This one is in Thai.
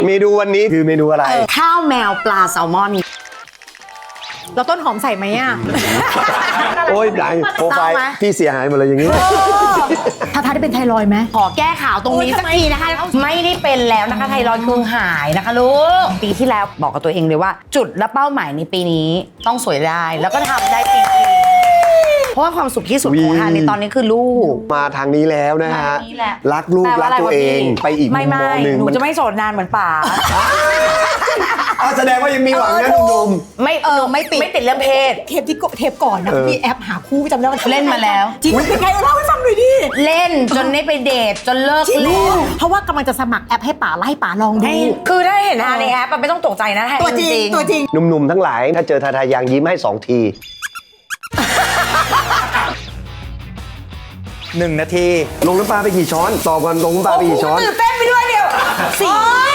เมนูวันนี้คือเมนูอะไรข้าวแมวปลาแซลมอนเราต้นหอมใส่ไหมอ่ะโอ้ยดังโปรไฟล์เศร้าไหมพี่เสียหายหมดเลยอย่างนี้ถ้าได้เป็นไทรอยด์ไหมขอแก้ข่าวตรงนี้สักทีนะคะ ไม่ได้เป็นแล้วนะคะไทรอยด์คือหายนะคะลูกปีที่แล้วบอกกับตัวเองเลยว่า จุดและเป้าหมายในปีนี้ต้องสวยได้แล้วก็ทำได้จริงๆเพราะว่าความสุขที่สุดของทานในตอนนี้คือลูกมาทางนี้แล้วนะฮะทางนี้แหละรักลูกแปลรัว่าก อะไรตัววะเองพี่ไปอีกมุไม่มมองหนึ่งหนูจะไม่โสดนานเหมือนป๋าอ้าวแสดงว่ายังมีหวังนะหนุ่มไม่ไม่ติดเรื่องเพศเทปก่อนนะมีแอปหาคู่จำได้ว่าเล่นมาแล้วจริงเป็นไงเล่าให้ฟังหน่อยดิเล่นจนได้ไปเดทจนเลิกจริงเล่นเพราะว่ากำลังจะสมัครแอปให้ป๋าไล่ป๋าลองดูคือถ้าเห็นทานในแอปอะไม่ต้องตกใจนะทานตัวจริงตัวจริงๆหนุ่มๆทั้งหลายถ้าเจอทาทายังยิ้มให้2 ที 1 นาทีลงน้ำปลาไปกี่ช้อนตอบกันลงน้ำปลาไปกี่ช้อนตื่นเต้นไปด้วยเดียว4